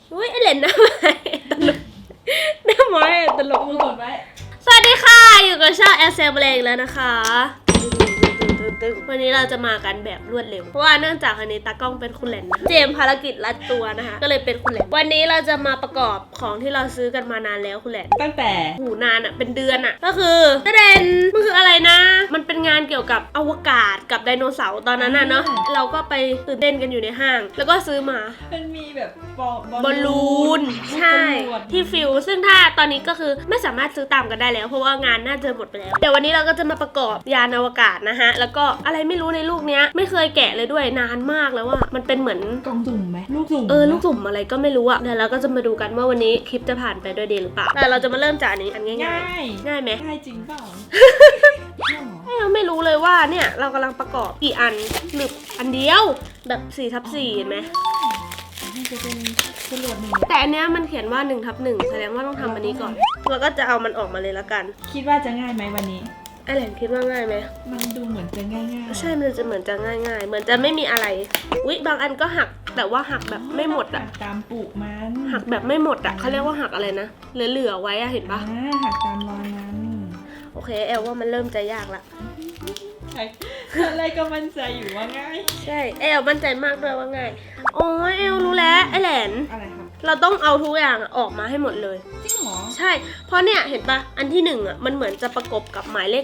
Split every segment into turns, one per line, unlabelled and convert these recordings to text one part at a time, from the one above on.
อุ้ยไอเหรนหน้าไม้ตลกหน้าไม้ตลก
กดไว้
สวัสดีค่ะอยู่กับช่องแอลเซลเบลงแล้วนะคะวันนี้เราจะมากันแบบรวดเร็วเพราะว่าเนื่องจากอันนี้ตากล้องเป็นคุณแหลนนะเจมภารกิจลัดตัวนะคะก็เลยเป็นคุณแหลนวันนี้เราจะมาประกอบของที่เราซื้อกันมานานแล้วคุณแหลน
ตั้งแต่
หูนานอะเป็นเดือนอะก็คือประเด็นมันคืออะไรนะมันเป็นงานเกี่ยวกับอวกาศกับไดโนเสาร์ตอนนั้นน่ะเนาะเราก็ไปตื่นเต้นกันอยู่ในห้าง แล้วก็ซื้อมา
มันมีแบบ
บอลลูนใช่ที่ฟิลซึ่งถ้าตอนนี้ก็คือไม่สามารถซื้อตามกันได้แล้วเพราะว่างานน่าจะหมดไปแล้วเดี๋ยววันนี้เราก็จะมาประกอบยานอวกาศนะฮะแล้วก็อะไรไม่รู้ในลูกเนี้ยไม่เคยแกะเลยด้วยนานมากแล้วว่ามันเป็นเหมือน
กล่องสุ่มไหมลูกสุ่ม
ลูกสุ่มอะไรก็ไม่รู้อะเดี๋ยวเราก็จะมาดูกันว่าวันนี้คลิปจะผ่านไปด้วยดีหรือเปล่าแต่เราจะมาเริ่มจากอันนี้อันง่าย
ง่าย
ๆง่ายไหม
ง่ายจริงเปล่า
เราไม่รู้เลยว่าเนี่ยเรากำลังประกอบกี่อันหรืออันเดียวแบบ4/4เห็นไหม
มันจะเป็นจรวดหนึ่ง
แต่อันเนี้ยมันเขียนว่า1/1แสดงว่าต้องทำอันนี้ก่อนแล้วก็จะเอามันออกมาเลยละกัน
คิดว่าจะง่ายไหมวันนี้
ไอแหลนคิดว่าง่ายไหม
มันดูเหมือนจะง่ายๆ
ใช่มันจะเหมือนจะง่ายๆเหมือนจะไม่มีอะไรอุ๊ยบางอันก็หักแต่ว่าหักแบบไม่หมดอะ
หักตามปุมัน
หักแบบไม่หมดอะเขาเรียกว่าหักอะไรนะเหลือๆไว้อะเห็นปะ
หักตามรอยนั้น
โอเคแอลว่ามันเริ่มจะยากละ
ใช่อะไรก็มั่นใจอยู่ว่าง่าย
ใช่แอลมั่นใจมากด้วยว่าง่ายโอ้ยแอลรู้แล้วไอแหลน
อะไรครับ
เราต้องเอาทุกอย่างออกมาให้หมดเลย
จริงเหรอ
ใช่ เพราะเนี่ยเห็นปะอันที่1อ่ะมันเหมือนจะประกบกับหมายเลข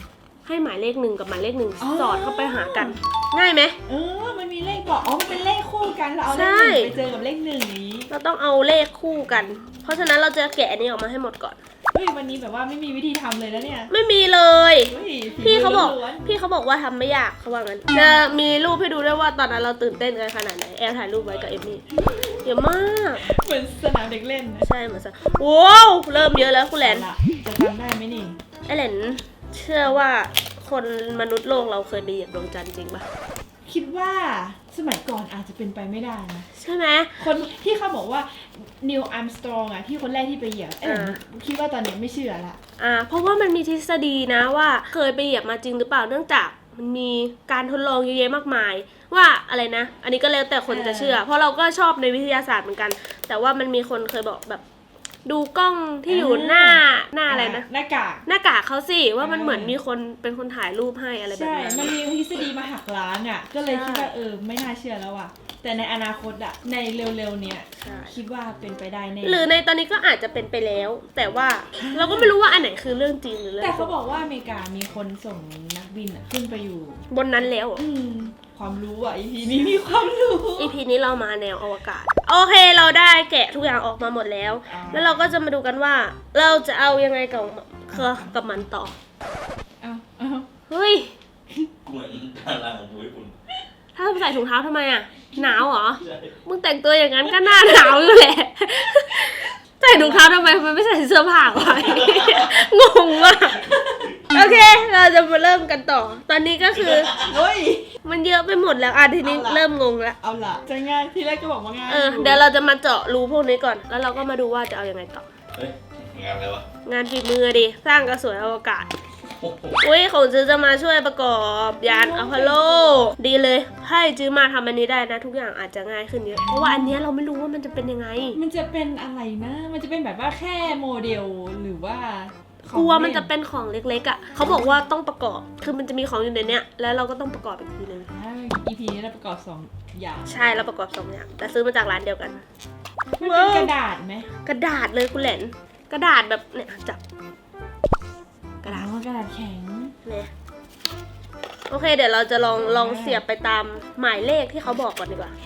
1ให้หมายเลข1กับหมายเลข1สอดเข้าไปหากัน ง่ายไหม
มันมีเลขบอกมันเป็นเลขคู่กันเราเอาเลข
ใช่
1ไปเจอกับเลข1นี้
เราต้องเอาเลขคู่กัน เพราะฉะนั้นเราจะแกะอันนี้ออกมาให้หมดก่อน
เฮ้ยวันนี้แบบว่าไม่มีวิธีทำเลยนะเนี่ย
ไม่มีเลย
เฮ้ย
พี่เขาบอก
ล้วนๆ
พี่เขาบอกว่าทำไม่ยากเขาว่างั้นจะมีรูปให้ดูด้วยว่าตอนนั้นเราตื่นเต้นกันขนาดไหนแอลถ่ายรูปไว้กับเอมมี่เยอะมาก
เหมือนสนามเด็กเล่นนะ
ใช่เหมือนซะว้าวเริ่มเยอะแล้วคุณแหลน
เอาล่ะจะทำได้ไหมนี่
ไอแหลนเชื่อว่าคนมนุษย์โลกเราเคยไปเหยียบดวงจันทร์จริงปะ
คิดว่าสมัยก่อนอาจจะเป็นไปไม่ได้นะ
ใช่ไหม
คนที่เขาบอกว่านิวอัมสตรองอะที่คนแรกที่ไปเหยียบคิดว่าตอนนี้ไม่เชื่อละ
เพราะว่ามันมีทฤษฎีนะว่าเคยไปเหยียบมาจริงหรือเปล่าเนื่องจากมันมีการทดลองเยอะแยะมากมาย ว่าอะไรนะ อันนี้ก็แล้วแต่คนจะเชื่อ เพราะเราก็ชอบในวิทยาศาสตร์เหมือนกัน แต่ว่ามันมีคนเคยบอกแบบ ดูกล้องที่อยู่หน้าอะไรนะ
หน้ากาก
หน้ากากเขาสิว่ามันเหมือนมีคนเป็นคนถ่ายรูปให้อะไรแบบ
ใช่
นั้น
มันมีทฤษฎีมาหักล้างอะก็เลยคิดว่าไม่น่าเชื่อแล้วอะแต่ในอนาคตอะในเร็วๆเนี้ย
ใช่
คิดว่าเป็นไปได้แน่
หรือในตอนนี้ก็อาจจะเป็นไปแล้ว แต่ว่าเราก็ไม่รู้ว่าอันไหนคือเรื่องจริงหรือเรื่อง
แต่เขาบอกว่าอเมริกามีคนส่งนักบินอะขึ้นไปอยู่
บนนั้นแล้วเหรอ
ความรู้อ่ะ EP นี้มีความรู้
EP นี้เรามาแนวอวกาศโอเคเราได้แกะทุกอย่างออกมาหมดแล้ว แล้วเราก็จะมาดูกันว่า เราจะเอายังไงกับมันต่อ
เอา
เฮ้ย
เหมือนดาราของญี่ปุ่น
ถ้าใส่ถุงเท้าทำไมอ่ะหนาวเหรอ
ใช่
มึงแต่งตัวอย่างนั้นก็หน้าหนาวอยู่แหละ ใส่ถุงเท้าทำไมมันไม่ใส่เสื้อผ้าไว้ งงมากโอเค เราจะมาเริ่มกันต่อ ตอนนี้ก็คือ
เฮ้ย
มันเยอะไปหมดแล้วทีนี้เริ่มงงแล้ว
เอาล่ะจะง่ายทีแรกก็บอกว่าง่าย
เดี๋ยวเราจะมาเจาะรูพวกนี้ก่อน แล้วเราก็มาดูว่าจะเอายังไงต่อ
เฮ้ยงานอะไรวะ
งานฝีมือดิ สร้างกระสวยอวกาศ
โอ้โห
อุ้ยของจื้อจะมาช่วยประกอบยานอพอลโล ดีเลยให้จื้อมาทำอันนี้ได้นะ ทุกอย่างอาจจะง่ายขึ้นเยอะ เพราะว่าอันเนี้ยเราไม่รู้ว่ามันจะเป็นยังไง
มันจะเป็นอะไรนะ มันจะเป็นแบบว่าแค่โมเดลหรือว่าของ
กลัวมันจะเป็นของเล็กๆอ่ะเขาบอกว่าต้องประกอบ คือมันจะมีของอยู่ในเนี้ย แล้วเราก็ต้องประกอบอีกทีนึง
EP นี้เราประกอบ2อย่าง
ใช่เราประกอบ2อย่างแต่ซื้อมาจากร้านเดียวกัน
มันเป็นกระดาษไหม
กระดาษเลยคุณแหลนกระดาษแบบเนี่ยจับกระดาษ
กระดาษแข็ง
เนี่ยโอเคเดี๋ยวเราจะลองเสียบไปตามหมายเลขที่เขาบอกก่อนดีกว่า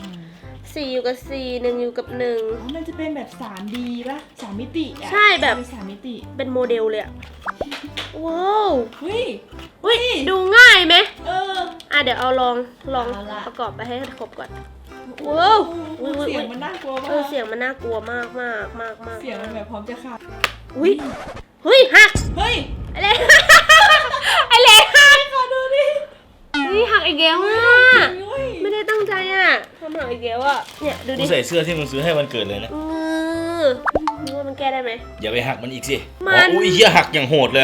4อยู่กับ4 1อยู่กับ1
มันจะเป็นแบบ 3D ป่ะ3มิติอ่ะ
ใช่แบบ
3มิติ
เป็นโมเดลเลยอะว้าว
เฮ้ย
อุ้ยดูง่ายไหม
เดี๋ยว
เดี๋ยวเอาลอง
เอาละ
ประกอบไปให้ครบก่อน ว้าว
เสียงมันน่ากลัวมาก
เสียงมันน่ากลัวมากมากมากมาก
เสียงมันแบบพร้อมจะขาด
อุ้ยเฮ้ยหัก
เฮ้ย
อะไร อะไรหัก
ขอดูดิ
เฮ้ยหักอีกแล้วอ่ะ
เฮ้ย
ไม่ได้ตั้งใจอ่ะทำหักอีกแล้วอ่ะเนี่ยดู
กู
ดิ
ใส่เสื้อที่มึงซื้อให้วันเกิดเลยนะ
นึกว่ามันแก้ได้ไหม
อย่าไปหักมันอีกสิ
มัน
อ๋ออุ้ยเหี้ยหักอย่างโหดเลยอะ
ใช่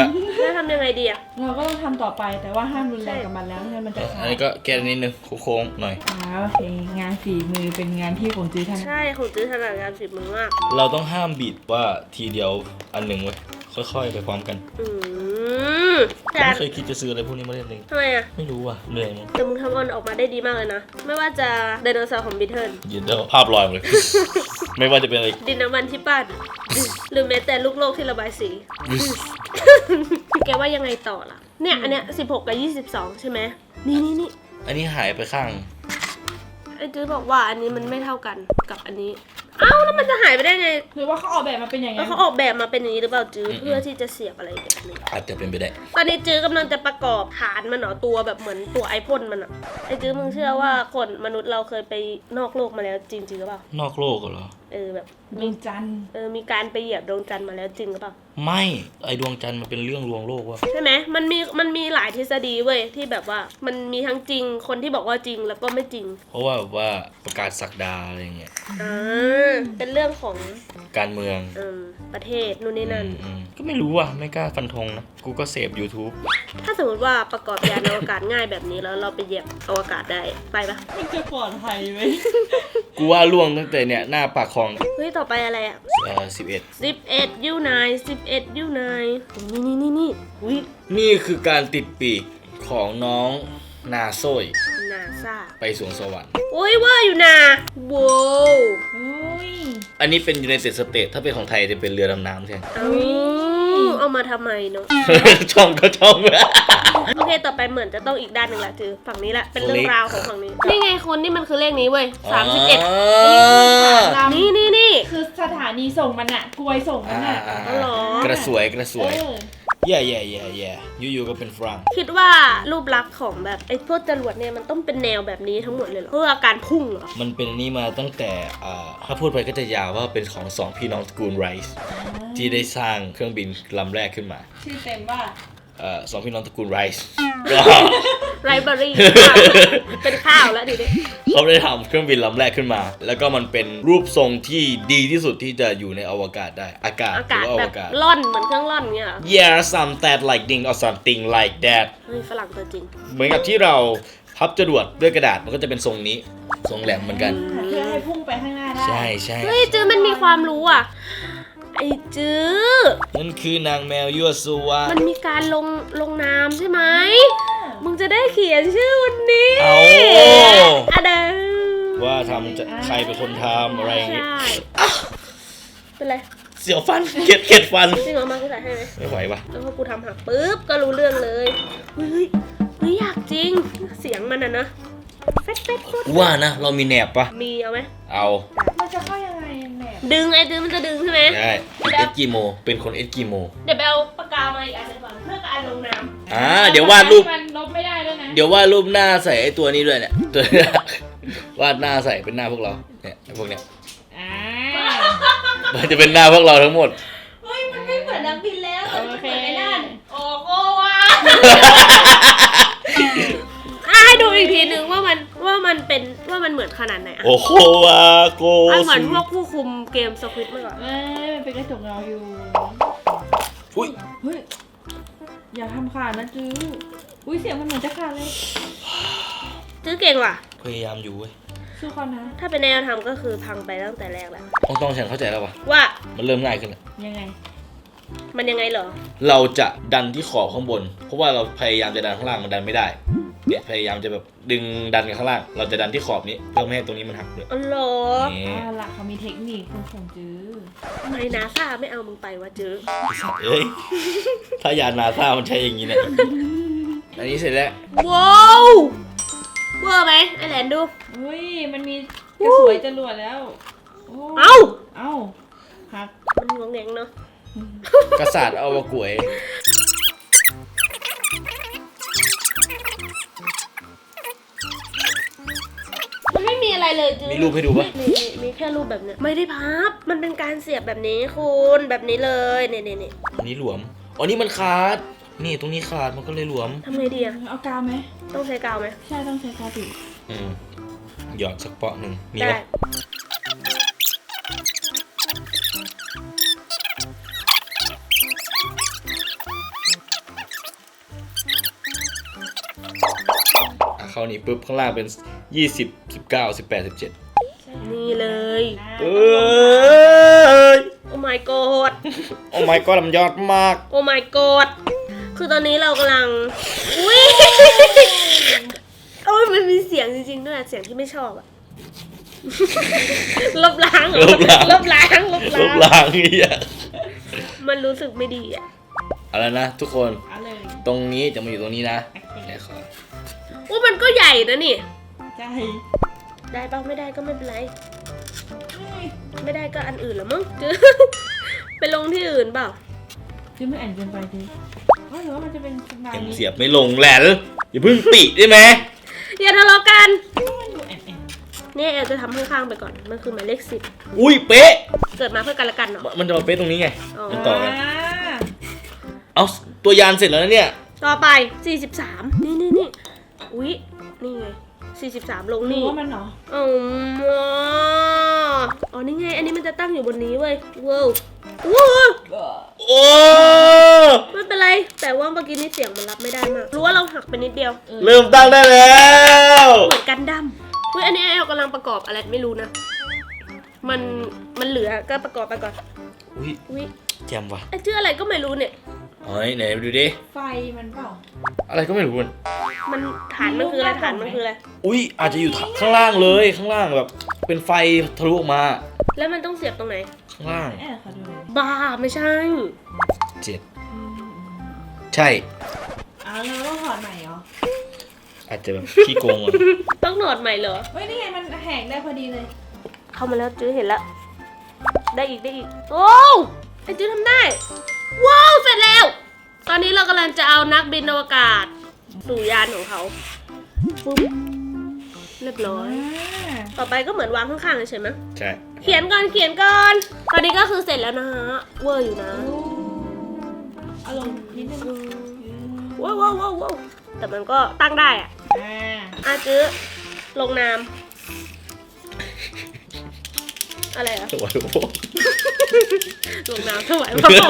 แล้วทำยังไงดีอะ
เราก็ต้องทำต่อไปแต่ว่าห้ามรุนแรงกับมันแล้วไม่งั้นมันจะขา
อัน
ด
นี้ก็แก้นิดนึงโค้งๆหน่อย
โอเคงานฝีมือเป็นงานที่ของจื้อท่าน
ใช่ของจื้อถนัดงานฝีมือมาก
เราต้องห้ามบีดว่าทีเดียวอันหนึ่งเว้ยค่อยๆไปพร้อมกัน
อืมแต่
ไม่เคยคิดจะซื้ออะไรพวกนี้มาเล่นเลย
ทำไมอะ
ไม่รู้ว่ะเหนื่อยมั้ง
แต่มึงทำมันออกมาได้ดีมากเลยนะ ไม่ว่าจะไดโนเสาร์ของบิทเทิล
ยืนเดาภาพลอยหมดเลย ไม่ว่าจะเป็นอะไร
ดินน้ำมันที่ปั้นหรือแม้แต่ลูกโลกที่ระบายสี แกว่ายังไงต่อล่ะ เนี่ยอันเนี้ย16 กับ 22 ใช่ไหมนี่
อันนี้หายไปข้าง
ไอ้จื้อบอกว่าอันนี้มันไม่เท่ากันกับอันนี้ เอ้าแล้วมันจะหายไปได้ไง
หรือว่าเขาออกแบบมาเป็นอย่าง
แล้
นั้
วน เขาออกแบบมาเป็นอย่างนี้หรือเปล่าจื้อเพื่อที่จะเสียบอะไรแบบนี้
อาจจะเป็นไปได้
ตอนนี้จื้อกำลังจะประกอบฐานมันเหรอตัวแบบเหมือนตัวไอพ่นมันอะไอ้จื้อมึงเชื่อว่าคนมนุษย์เราเคยไปนอกโลกมาแล้วจริงหรือเปล่าน
อกโลกเหรอ
แบบ
ดวงจันทร์
มีการไปเหยียบดวงจันทร์มาแล้วจริงหรือเปล่า
ไม่ไอดวงจันทร์มันเป็นเรื่องลวงโลกว่ะ
ใช่ไหมมันมีหลายทฤษฎีเว้ยที่แบบว่ามันมีทั้งจริงคนที่บอกว่าจริงแล้วก็ไม่จริง
เพราะว่าแบบว่าประกาศศักดาอะไรเงี้ย
เป็นเรื่องของ
การเมือง
ประเทศนู่นนี่นั่น
ก็ไม่รู้ว่ะไม่กล้าฟันธงนะกูก็เสพ YouTube
ถ้าสมมติว่าประกอบยานอวกาศง่ายแบบนี้แล้วเราไปเหยียบอวกาศได้ไปปะ
มันจะปลอดภัยไหม
กูว่าล่วงตั้งแต่เนี่ยหน้าปากคลอง
เฮ้ยต่อไปอะไรอ่ะ
11
11 U9 11 U9 นี่อุ้ย
นี่คือการติดปีกของน้องนาโซย
นาซา
ไปสวงสวรรค์
โอ้ยว่าอยู่นะว้าว
อุ้ย
อันนี้เป็น United States ถ้าเป็นของไทยจะเป็นเรือดำน้ำใช่ไหม
เอามาทำไมเนาะ
ช่องก็ช่อง
โอเค ต่อไปเหมือนจะต้องอีกด้านหนึ่งละจือฝั่งนี้ละ เป็นเรื่อ
เล
ง
ข
ราวของฝั่งนี้ นี่ไงคนนี่มันคือเลขนี้เว้ย
อ๋อ
31 นี่
คือสถานีส่งมันอะกลวยส่งมันอะ
อ๋อเหรอ
กระสวย
เออ
แย่อยู่ๆก็เป็นฝรั่ง
คิดว่ารูปลักษณ์ของแบบไอ้พวกจรวดเนี่ยมันต้องเป็นแนวแบบนี้ทั้งหมดเลยเหรอ เพื่อการพุ่งเหรอ
มันเป็นอันนี้มาตั้งแต่ถ้าพูดไปก็จะยาวว่าเป็นของสองพี่น้องตระกูลไรส์ที่ได้สร้างเครื่องบินลำแรกขึ้นมา
ชื่อเต็มว่า
สองพี่น้องตระกูลไรส์
ไรเบอรี่ เป็นข้าวแล้วดิเด็
เขาได้ทำเครื่องบินลำแรกขึ้นมา แล้วก็มันเป็นรูปทรงที่ดีที่สุดที่จะอยู่ในอวกาศได้ อากาศ
อา
หรื
กาศ
อว่าอ
แบ
ว
บ
กาศ
ล่อนเหมือนเครื่องล่อนเงี้ยเหรอ
Yeah something like ding or something like that
เฮ้ยฝรั่งตัวจริง
เหมือนกับที่เราพับจรวดด้วยกระดาษมันก็จะเป็นทรงนี้ทรงแหลมเหมือนกัน
เพื่อให้พุ่งไปข้างหน้าได้
ใช่
เฮ้ยจื้อมันมีความรู้อ่ะ ไอ้จื้อ
นั่นคือนางแมวยั่วซัว
มันมีการลงนามใช่ไหม มึงจะได้เขียนชื่อวันนี้
เอา
อะเดม
ว่าทำจะใครเป็นคนทำอะไรอย่างงี้
ใช่เป็นไร
เสียวฟันเข็ดฟัน
จริงเหรอมากูใส่ให้ไหม
ไม่ไหวปะ
แล้วพอกูทำหักปุ๊บก็รู้เรื่องเลยเฮ้ยอยากจริง เสียงมันอะนะเฟดโคตร
ว่านะเรามีแหนบปะ
มีเอาไหม
เอา
มันจะเข้ายังไงแหนบ
ดึงไอ้ดึงมันจะดึงใช่ไหม
ได้เอสกิโมเป็นคนเอสกิโม
เดี๋ยวไปเอาปากกามาอีกอันหนึงก่อนเพื่อการลงนาม
เดี๋ยววาดรูป
มันลบไม่ได้ด้วยนะ
เดี๋ยววาดรูปหน้าใส่ไอ้ตัวนี้ด้วยเนี่ยตัว วาดหน้าใส่เป็นหน้าพวกเราเนี่ยไอ้พวกเนี้ย
อ่า
มันจะเป็นหน้าพวกเราทั้งหมด
เฮ้ยมันไม่เหมือนนักบินแล้ว
โอเค
ไอ้นั่นโอ้โหว่ะ ให้ดูอีกทีนึงว่ามันเป็นว่ามันเหมือนขนาดไหนอะ
โอ้โหวาโก
เหมือนพวกผู้คุมเกมสควิตเมื่อก่อน
มันเป็นกระจกเงาอยู่
อุ้ย
เฮ้ย อย่าทำขาดนะจื้อ อุ้ยเสียงมันเหมือนจะขาดเลย
จื้อเก่งว่ะ
พยายามอยู่เว้ย
สู้เขานะ
ถ้าเป็นแนวทำก็คือพังไปตั้งแต่แรกแล้ว
ต้องฉันเข้าใจแล้ววะ
ว่า
มันเริ่มง่ายขึ้นแล้ว
ยังไง
มันยังไงเหรอ
เราจะดันที่ขอบข้างบน เพราะว่าเราพยายามจะดันข้างล่างมันดันไม่ได้ เนี่ยพยายามจะแบบดึงดันกันข้างล่าง เราจะดันที่ขอบนี้เพื่อไม่ให้ตรงนี้มันหักเลย
อ๋อเหรอ
นี่
หลักเขามีเทคนิคคุณของจื้อ
ทำไมนาซาไม่เอามึงไปวะจื้อ
ไอ้สัตว์เอ้ย ถ้ายานนาซามันใช้อย่างนี้เนี่ยอันนี้เสร็จแล้ว
ว้าวเวอร์ไหมไอแหลนดู
เฮ้ย มันมีกระสวยจรวดแล้วโ
เอ้า
เอ้าหัก
มันงงแงงเนาะ
กษัตริย์เอาวกวย
มันไม่มีอะไรเลยจื้อ
มีรูปให้ดูปะ
มีแค่รูปแบบเนี้ยไม่ได้พับ มันเป็นการเสียบแบบนี้คุณแบบนี้เลยเนี่ย
อันนี้หลวม อ๋อ นี่มันขาด นี่ตรงนี้ขาดมันก็เลยหลวม
ทำไงดีอะ
เอากาวไหม
ต้องใช้กาวไหม
ใช่ต้องใช้กาวติด
หยอดสักเปาะหนึ่งมี
ได้
ปะ
เ
เข้านี่ปุ๊บข้างล่างเป็น20 19 18 17
นี่เลย
เอ้ย
โอ้ my god
โอ้ my god มันยอดมาก
โอ้ my god คือตอนนี้เรากำลังอุ้ยโอ้ยมันมีเสียงจริงๆด้วยเสียงที่ไม่ชอบอะ ลบล้างเหรอลบล้าง
ลบล้างเหี้ย
มันรู้สึกไม่ดีอะ
เอาแล้วนะทุกคน
เอาเลย
ตรงนี้จะมาอยู่ตรงนี้นะ
โอเค
ไหนขอ
โอ้มันก็ใหญ่นะนี่
ใจ
ได้ปะไม่ได้ก็ไม่เป็นไร ไม่ได้ก็อันอื่นละมั้ง จื้อ ไปลงที่อื่นเปล่า
คือไม่แอนเกินไปดิหรือว่ามันจะเป็นสไต
ยัง
ล์นี้
เสียบไม่ลงแหละอย่าเพิ่งปิได้ไหม
อย่าทะเลาะกัน
มันดูแอน
เนี่ยแอลจะทำข้างๆไปก่อน มันคือหมายเลข10
อุ้ยเป๊ะ
เกิดมาเพื่อกันและกันเนาะ
มันจะมาเป๊ะตรงนี้ไง
อ๋อ
มันต่อกันเอาตัวยานเสร็จแล้วนะเนี่ย
ต่อไป 43 นี่อุ๊ย นี่ไง 43 ลง
รู้
นี่
ว่ามันเหรอ
อ๋อ นี่ไง อันนี้มันจะตั้งอยู่บนนี้เว้ยว้าวว้าว
โอ้
ไม่เป็นไร แต่ว่าเมื่อกี้นี่เสียงมันรับไม่ได้มาก รู้ว่าเราหักไปนิดเดียว
เริ่มตั้งได้แล้ว
เหมือนกันดั้มเฮ้ย อันนี้แอลกำลังประกอบอะไรไม่รู้นะ มันเหลือก็ประกอบไปก่อน
อุ้ย
อุ๊ย
แจมว่ะ
ไอ้ชื่ออะไรก็ไม่รู้เนี่ย
เฮ้ยไหนดูดิ
ไฟมันเปล่า
อะไรก็ไม่รู้มัน
มันฐานมันคืออะไร ฐานมันคืออะไร
อุ้ยอาจจะอยู่ข้างล่างเลยข้างล่างแบบ เป็นไฟทะลุออกมา
แล้วมันต้องเสียบตรงไหน
ข้างล่าง
แอนขอดูหน่อย
บ้าไม่ใช่
7ใช่
เราต้องถอดใหม่เหรอ
อาจจะแบบขี้โกงอ่ะ
ต้องหนอดใหม่เหรอ
เฮ้ยนี่ไงมันแหกได้พอดีเลย
เข้ามาแล้วจื้อเห็นแล้ว ได้อีก โอ้ไอ้จื้อทำได้ ว้าว เสร็จแล้ว ตอนนี้เรากำลังจะเอานักบินอวกาศสู่ยานของเขาปุ๊บเรียบร้อย ต่อไปก็เหมือนวางข้างๆเฉยๆมั้ย
ใช่
เขียนก่อน ตอนนี้ก็คือเสร็จแล้วนะฮะ เวอร์อยู่นะ
อารมณ์นิดนึง
ว้าวแต่มันก็ตั้งได้อะจื้อลงนาม อะไรอะ
สวยโอ้
ลงน้ำถวายพระพร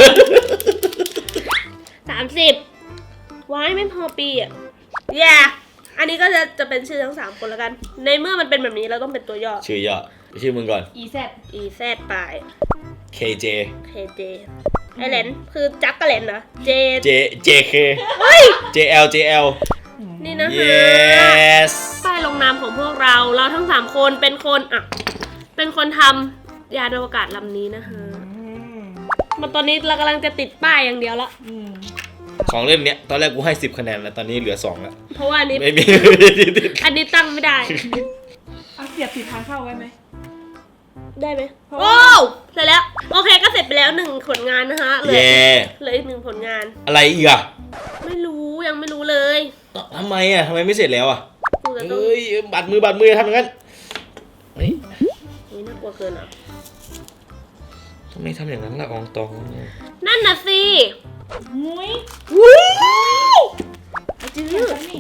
30ว้ายไม่พอปีอ่ะอันนี้ก็จะเป็นชื่อทั้ง3คนแล้วกัน ในเมื่อมันเป็นแบบนี้เราต้องเป็นตัวย่อ
ชื่อย่อชื่อมึงก่อน
อีแซด
EZ ไป
KJ
KJ ไอเลนคือจักกะเลนนะ
JK
เฮ้ย
JL
นี่นะฮะ
yes
ป้ายลงนามของพวกเราทั้ง3คนเป็นคนทำยานอวกาศลำนี้นะฮะมาตอนนี้เรากำลังจะติดป้ายอย่างเดียวละ
ของเล่นเนี้ยตอนแรกกูให้10 คะแนนแล้วตอนนี้เหลือ2แล้ว
เพราะว่าอันนี้
ไม่มี
อันนี้ตั้งไม่ได้
เอาเสียบติดทางเข้าไว้ไหม
ได้ไหม
เพราะ
โอ้
ว่า
เสร็จแล้ว โอเคก็เสร็จไปแล้ว1ผลงานนะคะเหลือ
เย่
อีก1ผลงาน
อะไรอีกอ่ะ
ไม่รู้ยังไม่รู้เลย
ทำไมอ่ะทำไมไม่เสร็จแล้วอ่ะ
กูจะต้อง
เอ้ยบัดมือทำอย่างนั้นเฮ้ย
นี่น่ากลัวเกินอ่ะ
ทำไมทำอย่างนั้นล่ะอองตอง
นั่นน่ะสิ
มุ้ย
วู้จื้
เห็น
อ
ปะนี่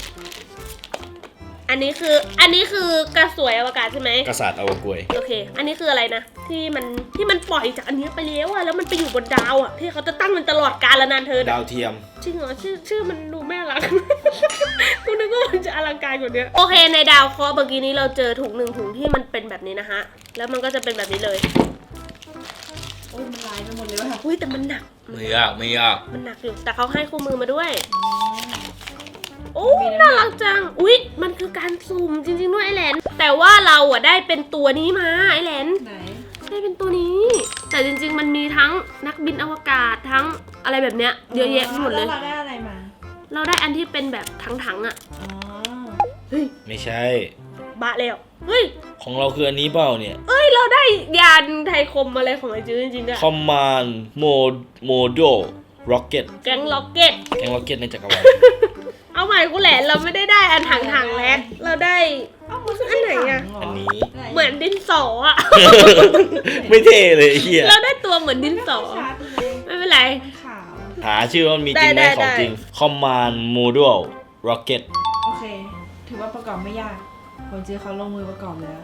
อันนี้คือกระสวยอวกาศใช่ไหม
กษัตริย์เอากล้วย
โอเค อันนี้คืออะไรนะที่มันปล่อยจากอันนี้ไปแล้วอะแล้วมันไปอยู่บนดาวอะที่เขาจะตั้งมันตลอดกาลนานเธอ
ดาวเทียม
จริงเหรอชื่อมันดูไม่อลัง กูนึกว่ามันจะอลังการกว่านี้โอเคในดาวเคราะห์เมื่อกี้นี้เราเจอถุง1ถุงที่มันเป็นแบบนี้นะฮะแล้วมันก็จะเป็นแบบนี้เลย
โอ้ยมันลายไปหมดเลยว่ะ
อุ้ยแต่มันหนัก
ไม่ยาก
มันหนักอยู่แต่เขาให้คู่มือมาด้วยโอ้น่ารักจังอุ้ยมันคือการสุ่มจริงๆด้วยไอแลนแต่ว่าเราอะได้เป็นตัวนี้มาไอแลน
ไหน
ได้เป็นตัวนี้ แต่จริงๆมันมีทั้งนักบินอวกาศทั้งอะไรแบบเนี้ยเยอะแยะไปหมดเลย
แล้วเราได้อะไรมา
เราได้อันที่เป็นแบบถังๆอะ
อ๋อ
เฮ้ย
ไม่ใช่
บะแล้วเฮ้ย
ของเราคืออันนี้เปล่าเนี่ย
เอ้ยเราได้ยานไทยคมอะไรของไอจื้อจริงๆด้วย
Command Model Rocket
แก๊งล็อกเก็ต
แกง Rocket ในจักรวาล
เอาใหม่กูแหละเราไม่ได้อันถังๆแล้วเราได้
เอ้ามันคือ
อันไหนอะ
ถังเร
อันนี้
เหมือนดินสออะ
ไม่เท่เลยไอ้เฮีย
เราได้ตัวเหมือนดินสอ
ชาร์จเลย
ไม่เป็นไร
มันขาว
หาชื่อว่ามันมีจริงไหม
ได้
ของจริง Command Model Rocket
โอเค ถือว่าประกอบไม่ยากผมเจอเขาลงมือประกอบแล้ว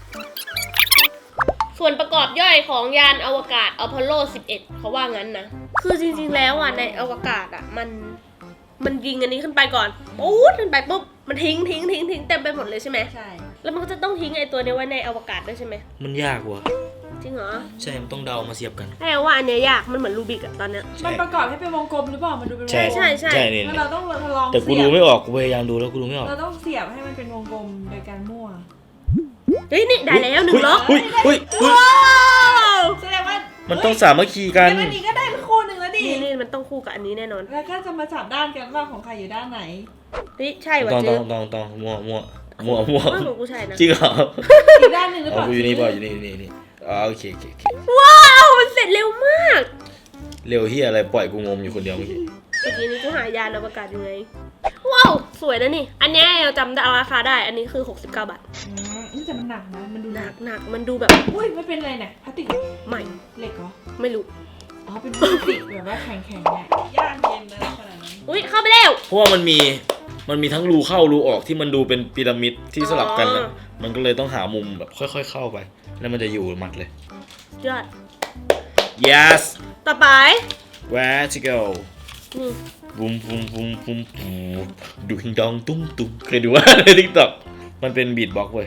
ส่วนประกอบย่อยของยานอวกาศอพอลโล 11 เขาว่างั้นนะคือจริงๆแล้วอ่ะในอวกาศอ่ะมันยิงอันนี้ขึ้นไปก่อนปุ๊บขึ้นไปปุ๊บมันทิ้งเต็มไปหมดเลยใช่ไหม
ใช่
แล้วมันก็จะต้องทิ้งไอ้ตัวนี้ไว้ในอวกาศด้วยใช่ไหม
มันยากว่ะ
จริงเหรอ
ใช่ มันต้องเดามาเสียบกัน
แปลว่าอันเนี้ยยากมันเหมือนรูบิกอะตอนเนี้ย
มันประกอบให้เป็นวงกลมหรือเปล่ามันดูเป็นวงกลม
ใช่
ใช่นี่
แล้วเราต้องลอง
แต่กู
เสีย
ดู
บ
ไม่ออก กูพยายามดูแล้วกูดูไม่ออก
เราต้องเสียบให้มันเป็นวงกลมโดยการมั่ว
เฮ้ยนี่ได้แล้ว1 ล็อก
เฮ้ยเฮ้ยเฮ้ย
ว้าว
แสดงว่า
มันต้องสามัคคีกัน
งั้นอันนี้ก็ได้คู่หนึ่งแล้วดิ
นี่มันต้องคู่กับอันนี้แน่นอน
แล้วก็จะมาจับด้านกันว่าของใครอยู่ด้านไหน
เฮ้ยใช่ว่ะ
ต้อง
จื้อ
มั่วมั่ว
ว่าของกูใช่นะ
จริงเหรอ
อีกด้านหนึ่งหรือเป
เอา
ล่า
กูอยู่นี่ป่ะอยู่นี่อ๋อโอเค
ว้าวมันเสร็จเร็วมาก
เร็วเฮียอะไรปล่อยกูงมอยู่คนเดียวเมื่อกี้
เมื่อกี้นี้กูหายานอวกาศยังไงว้าวสวยนะนี่ อันเนี้ยเราจำได้ราคาได้อันนี้คือ69 บาท
แต่มันหนักนะมันดู
ห
ห
นั
นั
ก
ก
หนักมันดูแบบ
อุ้ยไม่เป็นไรเนี่ยพลาสติก
ใหม่
เหล็กเหรอ
ไม่รู้
อ๋อเป็นพลาสติกแบบว่าแข็งๆเนี่ยยากเย็นนะขนาดนั้น
อุ้ยเข้าไปแล้ว
เพราะว่ามันมีทั้งรูเข้ารูออกที่มันดูเป็นพีระมิดที่สลับกันนะ
อ๋อ
มันก็เลยต้องหามุมแบบค่อยๆเข้าไป แล้วมันจะอยู่หมัดเลย
ยอด
yes
ต่อไป
where to go
นี่
บุมดูหิงดองตุ้มเคยดูว่าใน TikTok มันเป็นบีทบ็อกซ์เว้ย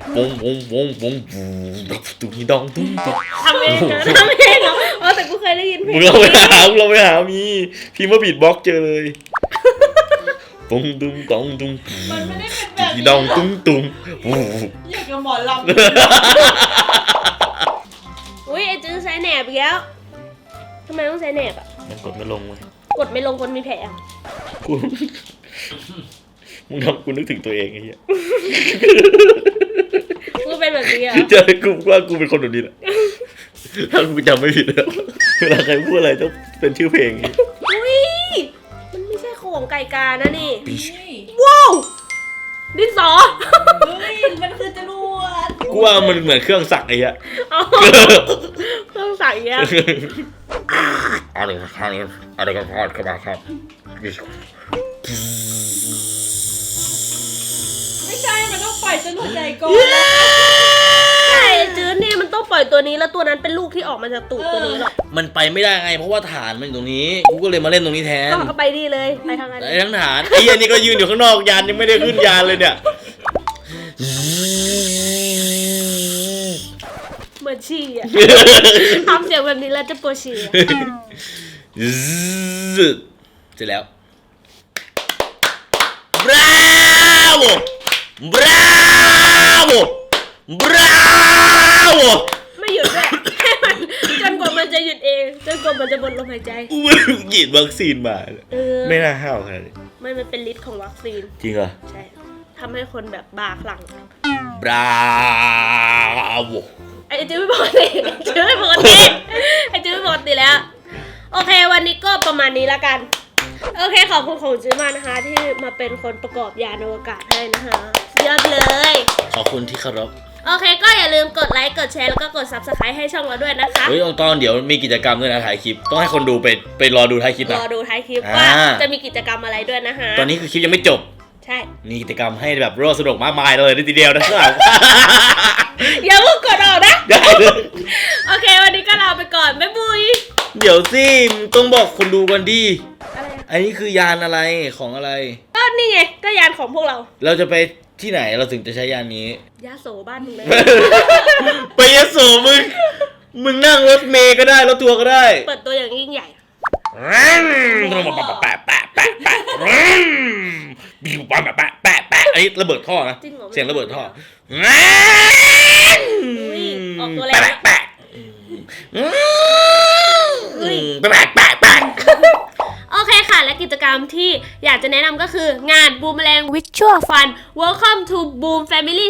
ดูหิงดองตุ้ม
ทำเองเหรอทำเองเหรออ๋อแต่กูเคยได้ยินเพล
มึ
ง
งเราไปหามีพิมพ์ว่าบีทบ็อกซ์เจอเลยตุ้ม
มันไม่ได้เป็นแบบ
หิง
นี้
ดองตุ้ม
อยากกับหมอลำ
อุ้ยไอจื้อใช้แหนบอีกแล้วทำไมต้องใช้แหนบอ่ะ
มันกดไม่ลงเว้ย
กดไม่ลงคนมีแผลอะ
กูมึงทำกูนึกถึงตัวเองไอ้เหี้ย
กูเป็นแบบนี้เหรอ
เจอกูว่ากูเป็นคนแบบนี้แหละถ้ากูจำไม่ผิดแล้วเวลาใครพูดอะไรต้องเป็นชื่อเพลงอย่างงี้
อุ้ยมันไม่ใช่ของไก่กานะนี่
เฮ้ย
ว้าวดินสอ
เฮ้ยมันคือจรวด
กูว่ามันเหมือนเครื่องสักไอ้เหี้ย
เอาต้องใส่เงี้ย
อะไรกันพอดเข้ามาครับ
ไม่ใช่มันต้องปล่อยจรวดใหญ่ก่อน
ใช่จื้อเนี่ยมันต้องปล่อยตัวนี้แล้วตัวนั้นเป็นลูกที่ออกมาจากตูดตัวนี้หรอก
มันไปไม่ได้ไงเพราะว่าฐานมันอยู่ตรงนี้กูก็เลยมาเล่นตรงนี้แทน
ก็เอาไปดีเลยไปทางนั้น
ไอ้ทั้งฐานไอ้เหี้ยนี่ก็ยืนอยู่ข้างนอกยานยังไม่ได้ขึ้นยานเลยเนี่ย
เหมือนฉี่อะ ทำเสียงแบบนี้แล้วจะปวดฉี่อะ
เสร็จแล้ว bravo bravo bravo
ไม่หยุดด้วยให้มันจนกว่ามันจะหยุดเองจนกว่ามันจะหมดลมหายใจ
กูไม่ฉีดวัคซีนมา ไม่น่าห้าวขนาดนี้
มันเป็นฤทธิ์ของวัคซีน
จริงเหรอ
ใช่ทำให้คนแบบบ้าคลั่ง
bravo
ไอ้จื้อไม่ปกติจื้อไม่ปกติไอ้จื้อไม่ปกติแล้ว โอเควันนี้ก็ประมาณนี้ละกัน โอเคขอบคุณของจื้อมากนะคะ ที่มาเป็นคนประกอบยานอวกาศให้นะคะสุดยอดเลย
ขอบคุณที่เคารพ
โอเคก็อย่าลืมกดไลค์กดแชร์แล้วก็กด Subscribe ให้ช่องเราด้วยนะคะ
เฮ้ยตอนเดี๋ยวมีกิจกรรมด้วยนะถ่ายคลิป ต้องให้คนดูไปรอดูท้ายคลิป
ร
นะ
อดูท้ายคลิป
อ่า
ว่าจะมีกิจกรรมอะไรด้วยนะคะ
ตอนนี้คือคลิปยังไม่จบ
ใช่
มีกิจกรรมให้แบบร่วมสนุกมากมายเลยทีเดียวนะครับ
อย่าเพิ่งกดออกนะ
ได้เลย
โอเควันนี้ก็ลาไปก่อนบ๊ายบาย
เดี๋ยวสิมึงต้องบอกคนดูกันดิ
อะไรอะ
อันนี้คือยานอะไรของอะไร
ก็นี่ไงก็ยานของพวกเรา
เราจะไปที่ไหนเราถึงจะใช้ยานนี้
ยาโสบ้านมึงเลย
ไปยโสมึงนั่งรถเมย์ก็ได้รถทัวร์ก็ได้
เปิดตัวอย่างยิ่งใหญ่
อันนี้ระเบิดท่อนะ
จริงเหรอ
เสียงระเบิดท่อ
อุ้ยออกตัวแรงแล้ว
แปะ
อุ้ย
แปะ
โอเคค่ะ และกิจกรรมที่อยากจะแนะนำก็คืองาน Boomerang Virtual Fun Welcome to Boom Family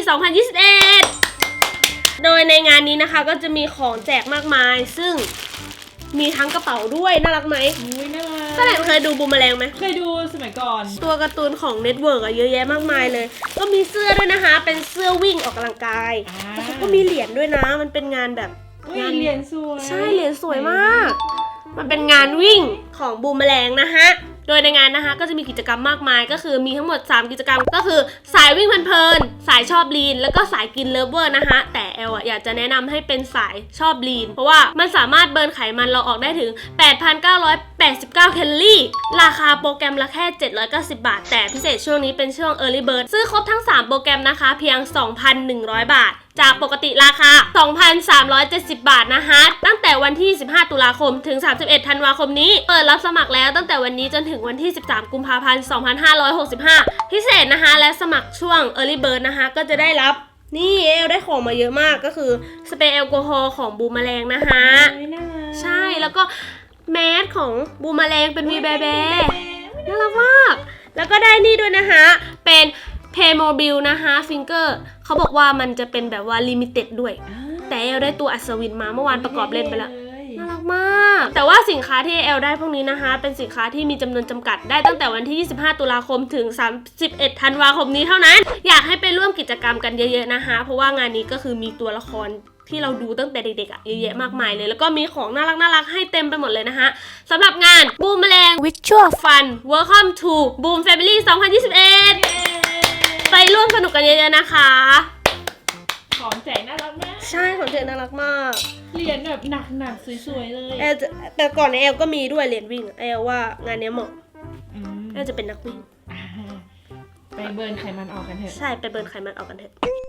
2021 โดยในงานนี้นะคะก็จะมีของแจกมากมาย ซึ่งมีทั้งกระเป๋าด้วย น่ารักไหม
อุ้ยน่ารั
ป้าแหลมเคยดู Boomerang ไหม
เคยดูสมัยก่อน
ตัวการ์ตูนของเน็ตเวิร์กอะเยอะแยะมากมายเลย ก็มีเสื้อด้วยนะคะ เป็นเสื้อวิ่งออกกำลังกายแล้วเขาก็มีเหรียญด้วยนะ มันเป็นงานแบบ
อุ้ยเหรียญสวย
ใช่เหรียญสวยมาก มันเป็นงานวิ่งของบูมแมลงนะฮะโดยในงานนะคะก็จะมีกิจกรรมมากมายก็คือมีทั้งหมด 3 กิจกรรมก็คือสายวิ่งเพลินๆสายชอบลีนแล้วก็สายกินเลิฟเวอร์นะคะแต่แอลอยากจะแนะนำให้เป็นสายชอบลีนเพราะว่ามันสามารถเบิร์นไขมันเราออกได้ถึง 8,989 แคลอรี่ราคาโปรแกรมละแค่790 บาทแต่พิเศษช่วงนี้เป็นช่วง Early Bird ซื้อครบทั้ง 3 โปรแกรมนะคะเพียง 2,100 บาทจากปกติราคา 2,370 บาทนะคะตั้งแต่วันที่ 15 ตุลาคมถึง 31 ธันวาคมนี้เปิดรับสมัครแล้วตั้งแต่วันนี้จนถึงวันที่ 13 กุมภาพันธ์ 2565 พิเศษนะคะและสมัครช่วง Early Bird นะคะก็จะได้รับนี่เอลได้ของมาเยอะมากก็คือสเปรย์แอลกอฮอล์ของบูมแมลงนะคะ
น่ารัก
ใช่แล้วก็แมสของบูมแมลงเป็นวีแบแบน่ารักมากแล้วก็ได้นี่ด้วยนะคะเป็นเพย์โมบิลนะคะฟิงเกอร์เขาบอกว่ามันจะเป็นแบบว่าลิมิเต็ดด้วยแต่เอลได้ตัวอัศวินมาเมื่อวานประกอบเล่นไปแล้วน่ารักมากแต่ว่าสินค้าที่เอลได้พวกนี้นะคะเป็นสินค้าที่มีจำนวนจำกัดได้ตั้งแต่วันที่ 25 ตุลาคมถึง 31 ธันวาคมนี้เท่านั้นอยากให้ไปร่วมกิจกรรมกันเยอะๆนะคะเพราะว่างานนี้ก็คือมีตัวละครที่เราดูตั้งแต่เด็กๆอ่ะเยอะแยะมากมายเลยแล้วก็มีของน่ารักให้เต็มไปหมดเลยนะคะสำหรับงานบูมแมลง Virtual Fun Welcome to Boom Family 2021 ไปร่วมสนุกกันเยอะๆนะคะ
ของแจกน่ารักมาก
ใช่ของเธอน่ารักมาก
เหรียญแบบหนักๆสวยๆเลย
แอลจะแต่ก่อนในแอลก็มีด้วยเหรียญวิ่งแอลว่างานเนี้ยเหมาะ
อืม
แอลจะเป็นนักวิ่ง
ไปเบิร์นไขมันออกกันเถอะ
ใช่ไปเบิร์นไขมันออกกันเถอะ